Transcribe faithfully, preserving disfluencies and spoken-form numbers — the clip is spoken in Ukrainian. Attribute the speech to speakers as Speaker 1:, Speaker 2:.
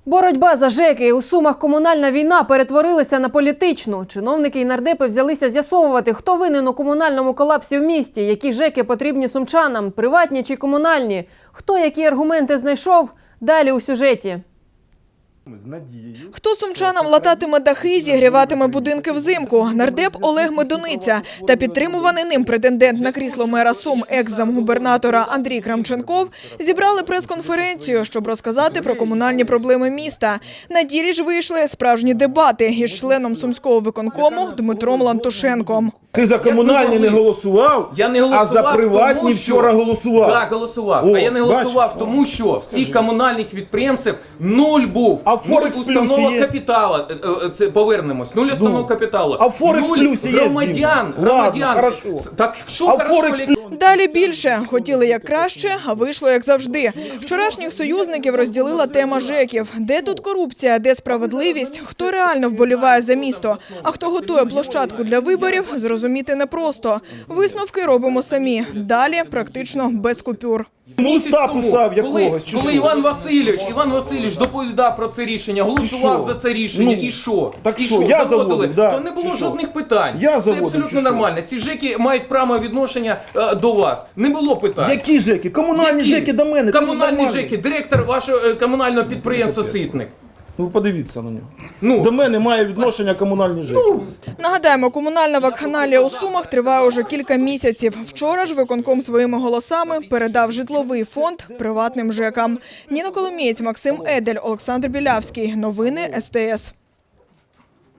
Speaker 1: Боротьба за ЖЕКи. У Сумах комунальна війна перетворилася на політичну. Чиновники і нардепи взялися з'ясовувати, хто винен у комунальному колапсі в місті, які ЖЕКи потрібні сумчанам, приватні чи комунальні. Хто які аргументи знайшов – далі у сюжеті.
Speaker 2: Хто сумчанам лататиме дахи, зігріватиме будинки взимку? Нардеп Олег Медуниця та підтримуваний ним претендент на крісло мера Сум, екс-замгубернатора Андрій Крамченков зібрали прес-конференцію, щоб розказати про комунальні проблеми міста. На ділі ж вийшли справжні дебати із членом Сумського виконкому Дмитром Лантушенком.
Speaker 3: Ти за комунальні не голосував,
Speaker 4: я не голосував,
Speaker 3: а за приватні
Speaker 4: тому,
Speaker 3: вчора
Speaker 4: що...
Speaker 3: голосував.
Speaker 4: Так, голосував.
Speaker 3: О,
Speaker 4: а я не голосував,
Speaker 3: бачиш?
Speaker 4: тому що в цих комунальних підприємців нуль був.
Speaker 3: А в
Speaker 4: нуль
Speaker 3: Форекс
Speaker 4: установок
Speaker 3: плюсі є?
Speaker 4: капіталу. Це повернемось. Нуль установок капіталу.
Speaker 3: А в Форекс
Speaker 4: нуль
Speaker 3: плюсі є,
Speaker 4: громадян.
Speaker 3: Дім?
Speaker 4: громадян.
Speaker 3: Ладно, хорошо.
Speaker 4: Так що
Speaker 3: А в
Speaker 4: хорошо,
Speaker 3: Форекс
Speaker 4: Олег?
Speaker 2: Далі більше. Хотіли як краще, а вийшло як завжди. Вчорашніх союзників розділила тема ЖЕКів. Де тут корупція, де справедливість, хто реально вболіває за місто, а хто готує площадку для виборів, зрозуміти непросто. Висновки робимо самі. Далі практично без купюр.
Speaker 4: Місяць
Speaker 3: Листа
Speaker 4: тому,
Speaker 3: писав
Speaker 4: коли,
Speaker 3: якогось, чи
Speaker 4: коли
Speaker 3: що?
Speaker 4: Іван Васильович, Іван Васильович доповідав про це рішення, голосував
Speaker 3: що?
Speaker 4: за це рішення,
Speaker 3: Ну,
Speaker 4: і що?
Speaker 3: так
Speaker 4: і
Speaker 3: що, я
Speaker 4: заводили?
Speaker 3: заводив, да.
Speaker 4: То не було
Speaker 3: Чи що?
Speaker 4: жодних питань.
Speaker 3: Я
Speaker 4: це
Speaker 3: заводив,
Speaker 4: абсолютно
Speaker 3: чи що?
Speaker 4: нормально. Ці ЖЕКи мають право відношення е, до вас. Не було питань.
Speaker 3: Які ЖЕКи? Комунальні
Speaker 4: Які?
Speaker 3: ЖЕКи до мене. це
Speaker 4: Комунальні
Speaker 3: нормально.
Speaker 4: ЖЕКи, директор вашого е, комунального підприємства Ситник.
Speaker 3: Ну подивіться на нього.
Speaker 4: Ну.
Speaker 3: До мене має відношення комунальні ЖЕКи.
Speaker 2: Нагадаємо, комунальна вакханалія у Сумах триває уже кілька місяців. Вчора ж виконком своїми голосами передав житловий фонд приватним ЖЕКам. Ніна Коломієць, Максим Едель, Олександр Білявський. Новини ес те ес.